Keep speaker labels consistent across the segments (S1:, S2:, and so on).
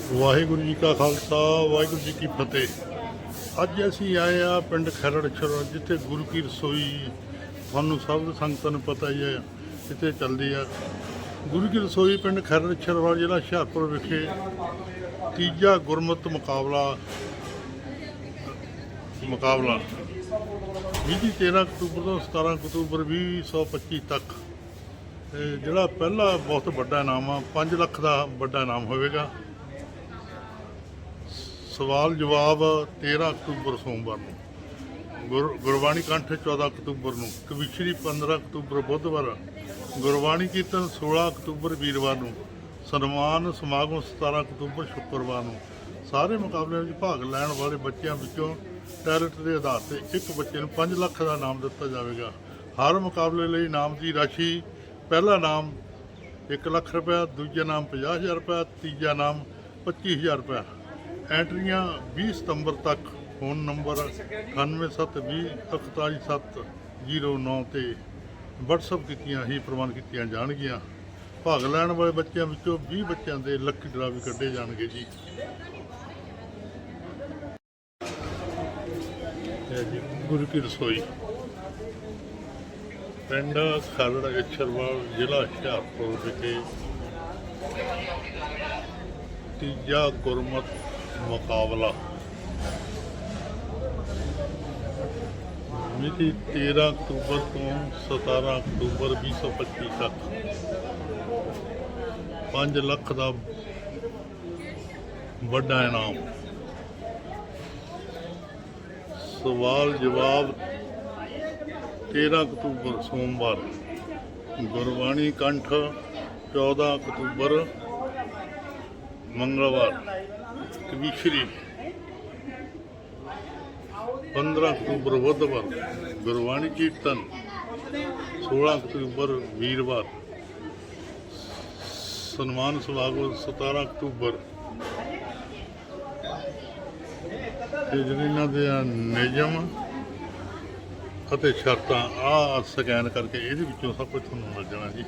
S1: ਵਾਹਿਗੁਰੂ ਜੀ ਕਾ ਖਾਲਸਾ ਵਾਹਿਗੁਰੂ ਜੀ ਕੀ ਫਤਿਹ। ਅੱਜ ਅਸੀਂ ਆਏ ਆ ਪਿੰਡ ਖਰੜਛੜ, ਜਿੱਥੇ ਗੁਰੂ ਕੀ ਰਸੋਈ ਤੁਹਾਨੂੰ ਸਭ ਸੰਗਤਾਂ ਨੂੰ ਪਤਾ ਹੀ ਹੈ ਕਿਤੇ ਚੱਲਦੀ ਆ। ਗੁਰੂ ਕੀ ਰਸੋਈ ਪਿੰਡ ਖਰੜਛੜ ਵਾਲਾ ਜ਼ਿਲ੍ਹਾ ਹੁਸ਼ਿਆਰਪੁਰ ਵਿਖੇ ਤੀਜਾ ਗੁਰਮਤਿ ਮੁਕਾਬਲਾ ਮਿਤੀ 13 ਅਕਤੂਬਰ ਤੋਂ 17 ਅਕਤੂਬਰ 2025 ਤੱਕ। ਜਿਹੜਾ ਪਹਿਲਾ ਬਹੁਤ ਵੱਡਾ ਇਨਾਮ ਆ 5 ਲੱਖ ਦਾ ਵੱਡਾ ਇਨਾਮ ਹੋਵੇਗਾ। ਸਵਾਲ ਜਵਾਬ 13 ਅਕਤੂਬਰ ਸੋਮਵਾਰ ਨੂੰ, ਗੁਰਬਾਣੀ ਕੰਠ 14 ਅਕਤੂਬਰ ਨੂੰ, ਕਵਿਸ਼ਰੀ 15 ਅਕਤੂਬਰ ਬੁੱਧਵਾਰ, ਗੁਰਬਾਣੀ ਕੀਰਤਨ 16 ਅਕਤੂਬਰ ਵੀਰਵਾਰ ਨੂੰ, ਸਨਮਾਨ ਸਮਾਗਮ 17 ਅਕਤੂਬਰ ਸ਼ੁੱਕਰਵਾਰ ਨੂੰ। ਸਾਰੇ ਮੁਕਾਬਲਿਆਂ ਵਿੱਚ ਭਾਗ ਲੈਣ ਵਾਲੇ ਬੱਚਿਆਂ ਵਿੱਚੋਂ ਟੈਲੈਂਟ ਦੇ ਆਧਾਰ ਤੇ ਇੱਕ ਬੱਚੇ ਨੂੰ 5 ਲੱਖ ਦਾ ਇਨਾਮ ਦਿੱਤਾ ਜਾਵੇਗਾ। ਹਰ ਮੁਕਾਬਲੇ ਲਈ ਇਨਾਮ ਦੀ ਰਾਸ਼ੀ: ਪਹਿਲਾ ਇਨਾਮ 1 ਲੱਖ ਰੁਪਇਆ, ਦੂਜਾ ਇਨਾਮ 50,000 ਰੁਪਇਆ, ਤੀਜਾ ਇਨਾਮ 25,000 ਰੁਪਇਆ। ਐਂਟਰੀਆਂ 20 ਸਤੰਬਰ ਤੱਕ ਫੋਨ ਨੰਬਰ 9720 ਤੇ WhatsApp ਕੀਤੀਆਂ ਹੀ ਪ੍ਰਵਾਨ ਕੀਤੀਆਂ ਜਾਣਗੀਆਂ। ਭਾਗ ਲੈਣ ਵਾਲੇ ਬੱਚਿਆਂ ਵਿੱਚੋਂ 20 ਬੱਚਿਆਂ ਦੇ ਲੱਕੀ ਡਰਾ ਵੀ ਕੱਢੇ ਜਾਣਗੇ ਜੀ। ਗੁਰੂ ਕੀ ਰਸੋਈ ਪਿੰਡ ਖਰੜਛੜ ਜ਼ਿਲ੍ਹਾ ਹੁਸ਼ਿਆਰਪੁਰ ਵਿਖੇ ਤੀਜਾ ਗੁਰਮਤਿ ਮੁਕਾਬਲਾ ਮਿਤੀ 13 ਅਕਤੂਬਰ ਤੋਂ 17 ਅਕਤੂਬਰ 2025 ਤੱਕ। 5 ਲੱਖ ਦਾ ਵੱਡਾ ਇਨਾਮ। ਸਵਾਲ ਜਵਾਬ 13 ਅਕਤੂਬਰ ਸੋਮਵਾਰ, ਗੁਰਬਾਣੀ ਕੰਠ 14 ਅਕਤੂਬਰ ਮੰਗਲਵਾਰ, ਕਵਿਸ਼ਰੀ 15 ਅਕਤੂਬਰ ਬੁੱਧਵਾਰ, ਗੁਰਬਾਣੀ ਕੀਰਤਨ 16 ਅਕਤੂਬਰ ਵੀਰਵਾਰ, ਸਨਮਾਨ ਸਮਾਗਮ 17 ਅਕਤੂਬਰ। ਤੇ ਜਿਹੜੇ ਇਹਨਾਂ ਦੇ ਨਿਯਮ ਅਤੇ ਸ਼ਰਤਾਂ ਆਹ ਸਕੈਨ ਕਰਕੇ ਇਹਦੇ ਵਿੱਚੋਂ ਸਭ ਕੁਝ ਤੁਹਾਨੂੰ ਮਿਲ ਜਾਣਾ ਜੀ।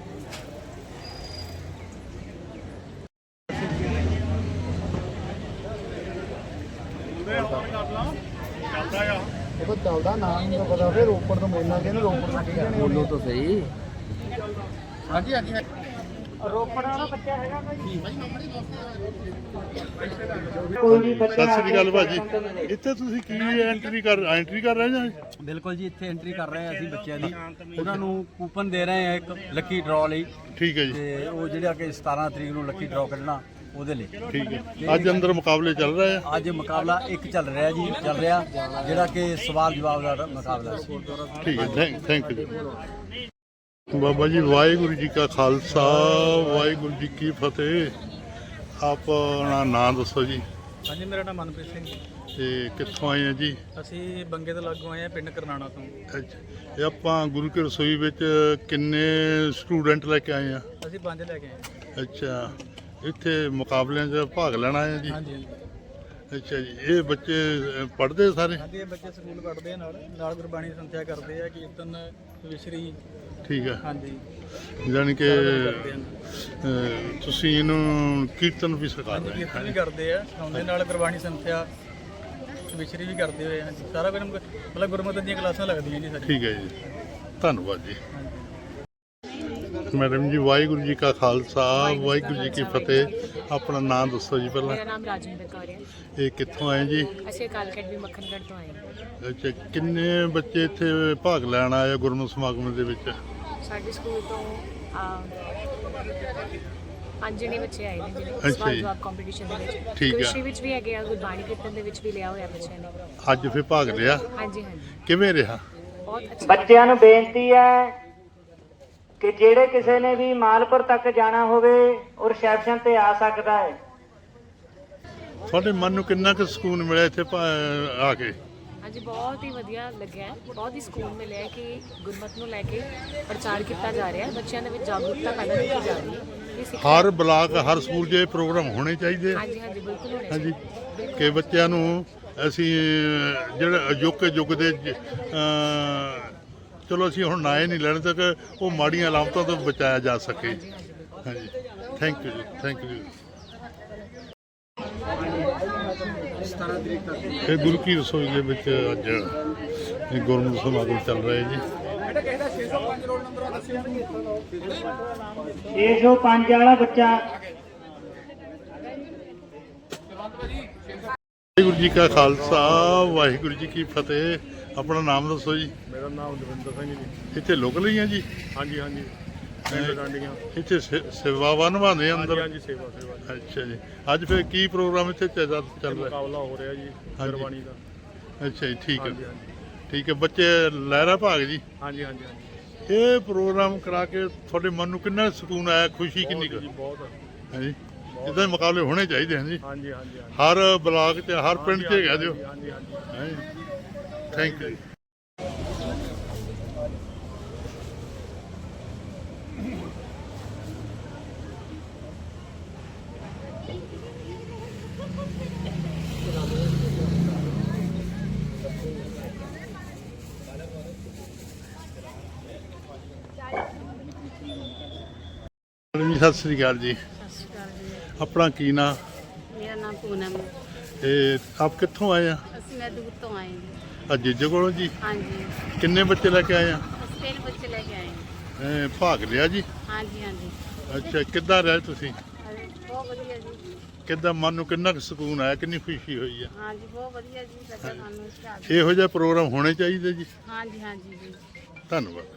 S2: ਉਹ ਚੱਲਦਾ ਨਾ ਨਹੀਂ ਪਤਾ ਫਿਰ ਰੋਪੜ ਤੋਂ ਬੋਲਣਾ ਕਿ ਰੋਪੜ ਤੋਂ ਕੀ
S3: ਬੋਲੋ ਤਾਂ ਸਹੀ।
S2: ਹਾਂਜੀ ਹਾਂਜੀ ਰੋਪੜ ਵਾਲਾ ਬੱਚਾ ਹੈਗਾ ਕੋਈ ਵੀ
S1: ਸਤਿ ਸ੍ਰੀ ਅਕਾਲ ਭਾਜੀ। ਇੱਥੇ ਤੁਸੀਂ ਕੀ ਐਂਟਰੀ ਕਰ ਰਹੇ ਜਾਂ?
S3: ਬਿਲਕੁਲ ਜੀ, ਇੱਥੇ ਐਂਟਰੀ ਕਰ ਰਹੇ ਆ ਅਸੀਂ ਬੱਚਿਆਂ ਦੀ। ਉਹਨਾਂ ਨੂੰ ਕੂਪਨ ਦੇ ਰਹੇ ਆ ਇੱਕ ਲੱਕੀ ਡਰਾਅ ਲਈ।
S1: ਠੀਕ ਹੈ ਜੀ।
S3: ਤੇ ਉਹ ਜਿਹੜਾ ਕਿ 17 ਤਰੀਕ ਨੂੰ ਲੱਕੀ ਡਰਾਅ ਕੱਢਣਾ ਉਹਦੇ ਲਈ।
S1: ਠੀਕ ਹੈ। ਅੱਜ ਅੰਦਰ ਮੁਕਾਬਲੇ ਚੱਲ ਰਹੇ ਆ?
S3: ਅੱਜ ਮੁਕਾਬਲਾ ਇੱਕ ਚੱਲ ਰਿਹਾ ਜੀ, ਜਿਹੜਾ ਕਿ ਸਵਾਲ ਜਵਾਬ ਦਾ ਮੁਕਾਬਲਾ ਸੀ।
S1: ਠੀਕ ਹੈ, ਥੈਂਕ ਯੂ ਬਾਬਾ ਜੀ। ਵਾਹਿਗੁਰੂ ਜੀ ਕਾ ਖਾਲਸਾ ਵਾਹਿਗੁਰੂ ਜੀ ਕੀ ਫਤਿਹ। ਆਪਣਾ ਨਾਂ ਦੱਸੋ ਜੀ।
S4: ਹਾਂਜੀ, ਮੇਰਾ ਨਾਮ ਮਨਪ੍ਰੀਤ ਸਿੰਘ ਜੀ।
S1: ਤੇ ਕਿੱਥੋਂ ਆਏ ਆ ਜੀ?
S4: ਅਸੀਂ ਬੰਗੇ ਤੋਂ ਲਾਗੋਂ ਆਏ ਆ, ਪਿੰਡ ਕਰਨਾਣਾ ਤੋਂ।
S1: ਅੱਛਾ, ਇਹ ਆਪਾਂ ਗੁਰੂ ਕੀ ਰਸੋਈ ਵਿੱਚ ਕਿੰਨੇ ਸਟੂਡੈਂਟ ਲੈ ਕੇ ਆਏ ਆ?
S4: ਅਸੀਂ 5 ਲੈ ਕੇ ਆਏ।
S1: ਅੱਛਾ, ਇੱਥੇ ਮੁਕਾਬਲਿਆਂ 'ਚ ਭਾਗ ਲੈਣਾ ਆਏ ਜੀ?
S4: ਹਾਂਜੀ ਹਾਂਜੀ
S1: ਅੱਛਾ ਜੀ। ਇਹ ਬੱਚੇ ਪੜ੍ਹਦੇ ਸਾਰੇ?
S4: ਹਾਂਜੀ, ਇਹ ਬੱਚੇ ਸਕੂਲ ਪੜ੍ਹਦੇ ਆ, ਨਾਲ ਗੁਰਬਾਣੀ ਸੰਥਿਆ ਕਰਦੇ ਆ, ਕੀਰਤਨ ਵਿਸ਼ਰੀ।
S1: ਠੀਕ ਹੈ।
S4: ਹਾਂਜੀ,
S1: ਜਾਣੀ ਕਿ
S4: ਕਰਦੇ ਆ।
S1: ਤੁਸੀਂ ਇਹਨੂੰ ਕੀਰਤਨ ਵੀ ਸਿਖਾ
S4: ਹਾਂਜੀ,
S1: ਰਹੇ
S4: ਕੀਰਤਨ ਵੀ ਕਰਦੇ ਆ, ਸਿਖਾਉਂਦੇ ਨਾਲ ਗੁਰਬਾਣੀ ਸੰਥਿਆ ਵਿਸ਼ਰੀ ਵੀ ਕਰਦੇ ਹੋਏ ਆ। ਸਾਰਾ ਕੁਝ ਮਤਲਬ ਗੁਰਮਤਿ ਦੀਆਂ ਕਲਾਸਾਂ ਲੱਗਦੀਆਂ ਜੀ ਸਾਡੀ।
S1: ਠੀਕ ਹੈ ਜੀ, ਧੰਨਵਾਦ ਜੀ। ਮੈਡਮ ਜੀ, ਵਾਹਿਗੁਰੂ ਜੀ ਕਾ ਖਾਲਸਾ ਵਾਹਿਗੁਰੂ ਜੀ ਕੀ ਫਤਿਹ। ਆਪਣਾ ਨਾਮ ਦੱਸੋ ਜੀ ਪਹਿਲਾਂ।
S5: ਮੇਰਾ ਨਾਮ ਰਾਜਿੰਦਰ ਕੌਰ ਹੈ।
S1: ਇਹ ਕਿੱਥੋਂ ਆਏ ਜੀ?
S5: ਅਸੀਂ ਕਾਲਕਟ ਵੀ ਮੱਖਣਗੜ੍ਹ ਤੋਂ ਆਏ ਹਾਂ।
S1: ਅੱਛਾ, ਕਿੰਨੇ ਬੱਚੇ ਇੱਥੇ ਭਾਗ ਲੈਣ ਆਏ ਆ ਗੁਰਮਤਿ ਸਮਾਗਮ ਦੇ ਵਿੱਚ?
S5: ਸਾਡੇ ਸਕੂਲ ਤੋਂ 5 ਜਣੇ ਬੱਚੇ ਆਏ ਨੇ ਜਿਹੜੇ
S1: ਅੱਛਾ
S5: ਸਵਾਲ
S1: ਜੀ।
S5: ਜਵਾਬ ਕੰਪੀਟੀਸ਼ਨ ਦੇ ਵਿੱਚ।
S1: ਠੀਕ ਹੈ।
S5: ਕ੍ਰਿਸ਼ੀ ਵਿੱਚ ਵੀ ਹੈਗੇ ਆ, ਗੁਰਬਾਣੀ ਕੀਰਤਨ ਦੇ ਵਿੱਚ ਵੀ ਲਿਆ ਹੋਇਆ ਬੱਚਿਆਂ ਨੇ।
S1: ਅੱਜ ਫਿਰ ਭਾਗ ਲਿਆ?
S5: ਹਾਂਜੀ ਹਾਂਜੀ,
S1: ਕਿਵੇਂ ਰਿਹਾ?
S5: ਬਹੁਤ ਅੱਛਾ।
S2: ਬੱਚਿਆਂ ਨੂੰ ਬੇਨਤੀ ਹੈ ਕਿ ਜਿਹੜੇ ਕਿਸੇ ਨੇ ਵੀ ਮਾਲਪੁਰ ਤੱਕ ਜਾਣਾ ਹੋਵੇ ਉਹ ਰਿਸੈਪਸ਼ਨ ਤੇ ਆ ਸਕਦਾ ਹੈ।
S1: ਤੁਹਾਡੇ ਮਨ ਨੂੰ ਕਿੰਨਾ ਕੁ ਸਕੂਨ ਮਿਲਿਆ ਇੱਥੇ ਆ ਕੇ?
S5: ਹਾਂਜੀ, ਬਹੁਤ ਹੀ ਵਧੀਆ ਲੱਗਿਆ, ਬਹੁਤ ਹੀ ਸਕੂਨ ਮਿਲਿਆ ਕਿ ਗੁਰਮਤਿ ਨੂੰ ਲੈ ਕੇ ਪ੍ਰਚਾਰ ਕੀਤਾ ਜਾ ਰਿਹਾ ਹੈ। ਬੱਚਿਆਂ ਦੇ ਵਿੱਚ ਜਾਗਰੂਕਤਾ ਪੈਦਾ ਕੀਤੀ ਜਾ ਰਹੀ ਹੈ।
S1: ਹਰ ਬਲਾਕ, ਹਰ ਸਕੂਲ 'ਚ ਇਹ ਪ੍ਰੋਗਰਾਮ ਹੋਣੇ ਚਾਹੀਦੇ।
S5: ਹਾਂਜੀ ਹਾਂਜੀ, ਬਿਲਕੁਲ ਹੋਣੇ
S1: ਹਾਂਜੀ,
S5: ਚਾਹੀਦੇ।
S1: ਕਿ ਬੱਚਿਆਂ ਨੂੰ ਅਸੀਂ ਜਿਹੜੇ ਅਜੋਕੇ ਯੁੱਗ ਦੇ ਚਲੋ ਅਸੀਂ ਹੁਣ ਨਾ ਹੀ ਨਹੀਂ ਲੈਣ ਤੱਕ ਉਹ ਮਾੜੀਆਂ ਅਲਾਮਤਾਂ ਤੋਂ ਬਚਾਇਆ ਜਾ ਸਕੇ। ਹਾਂਜੀ, ਥੈਂਕ ਯੂ ਜੀ, ਥੈਂਕ ਯੂ।
S3: 17 ਤਰੀਕ ਤੱਕ।
S1: ਇਹ ਗੁਰੂ ਕੀ ਰਸੋਈ ਦੇ ਵਿੱਚ ਅੱਜ ਇਹ ਗੁਰਮਤਿ ਸਮਾਗਮ ਚੱਲ ਰਿਹਾ ਜੀ।
S2: 605 ਵਾਲਾ ਬੱਚਾ
S1: ਵਾਹਿਗੁਰੂ ਜੀ ਕਾ ਖਾਲਸਾ ਵਾਹਿਗੁਰੂ ਜੀ ਕੀ ਫਤਿਹ। ਆਪਣਾ ਨਾਮ ਦੱਸੋ ਜੀ।
S6: ਮੇਰਾ ਨਾਮ ਦਵਿੰਦਰ ਸਿੰਘ ਜੀ।
S1: ਇੱਥੇ ਲੋਕਲ ਹੀ ਆ ਜੀ?
S6: ਹਾਂਜੀ ਹਾਂਜੀ ਪਿੰਡ ਡਾਂਡੀਆਂ।
S1: ਇੱਥੇ ਸੇਵਾਵਾਂ ਨਿਭਾਉਂਦੇ ਆ
S6: ਹਾਂਜੀ
S1: ਅੰਦਰ?
S6: ਹਾਂਜੀ ਸੇਵਾ ਸੇਵਾ ਜੀ।
S1: ਅੱਛਾ ਜੀ। ਅੱਜ ਫਿਰ ਕੀ ਪ੍ਰੋਗਰਾਮ ਇੱਥੇ ਚੱਲ ਰਿਹਾ?
S6: ਮੁਕਾਬਲਾ ਹੋ ਰਿਹਾ ਜੀ
S1: ਹਾਂਜੀ।
S6: ਗੁਰਬਾਣੀ ਦਾ।
S1: ਅੱਛਾ ਜੀ, ਠੀਕ
S6: ਹਾਂਜੀ
S1: ਹੈ
S6: ਹਾਂਜੀ
S1: ਠੀਕ ਹੈ। ਬੱਚੇ ਲਹਿਰਾ ਭਾਗ ਜੀ।
S6: ਹਾਂਜੀ ਹਾਂਜੀ ਹਾਂਜੀ
S1: ਇਹ ਪ੍ਰੋਗਰਾਮ ਕਰਾ ਕੇ ਤੁਹਾਡੇ ਮਨ ਨੂੰ ਕਿੰਨਾ ਸਕੂਨ ਆਇਆ, ਖੁਸ਼ੀ ਕਿੰਨੀ ਕੁ
S6: ਜੀ ਬਹੁਤ
S1: ਹੈ ਜੀ? ਇਦਾਂ ਮੁਕਾਬਲੇ ਹੋਣੇ ਚਾਹੀਦੇ ਹਨ ਜੀ।
S6: ਹਾਂਜੀ ਹਾਂਜੀ ਹਾਂਜੀ
S1: ਹਰ ਬਲਾਕ 'ਚ ਹਰ ਪਿੰਡ 'ਚ ਹੈਗਾ ਦਿਓ।
S6: ਹਾਂਜੀ ਹਾਂਜੀ
S1: ਥੈਂਕ ਯੂ। ਸਤਿ ਸ੍ਰੀ ਅਕਾਲ ਜੀ।
S7: ਸਤਿ ਸ਼੍ਰੀ ਅਕਾਲ ਜੀ।
S1: ਆਪਣਾ ਕੀ ਨਾਂ?
S7: ਮੇਰਾ ਨਾਮ ਪੂਨਮ ਹੈ।
S1: ਤੇ ਆਪ ਕਿੱਥੋਂ ਆਏ ਆ?
S7: ਅਸੀਂ ਮੈਂ ਦੂਰ ਤੋਂ ਆਏ ਹਾਂ।
S1: ਅੱਜ ਜੀਜੇ ਕੋਲੋਂ ਜੀ।
S7: ਹਾਂਜੀ
S1: ਕਿੰਨੇ ਬੱਚੇ ਲੈ ਕੇ ਆਏ ਆ?
S7: ਅਸੀਂ 3 ਬੱਚੇ ਲੈ ਕੇ ਆਏ ਹਾਂ।
S1: ਭਾਗ ਲਿਆ ਜੀ?
S7: ਹਾਂਜੀ ਹਾਂਜੀ
S1: ਅੱਛਾ, ਕਿੱਦਾਂ ਰਹੇ ਤੁਸੀਂ?
S7: ਬਹੁਤ ਵਧੀਆ ਜੀ।
S1: ਕਿੱਦਾਂ ਮਨ ਨੂੰ ਕਿੰਨਾ ਕੁ ਸਕੂਨ ਆਇਆ, ਕਿੰਨੀ ਖੁਸ਼ੀ ਹੋਈ ਆ?
S7: ਹਾਂਜੀ ਬਹੁਤ ਵਧੀਆ ਜੀ। ਲੱਗਾ ਸਾਨੂੰ ਸਟਾਰਟ।
S1: ਇਹੋ ਜਿਹਾ ਪ੍ਰੋਗਰਾਮ ਹੋਣੇ ਚਾਹੀਦੇ ਜੀ।
S7: ਹਾਂਜੀ ਹਾਂਜੀ ਜੀ।
S1: ਧੰਨਵਾਦ।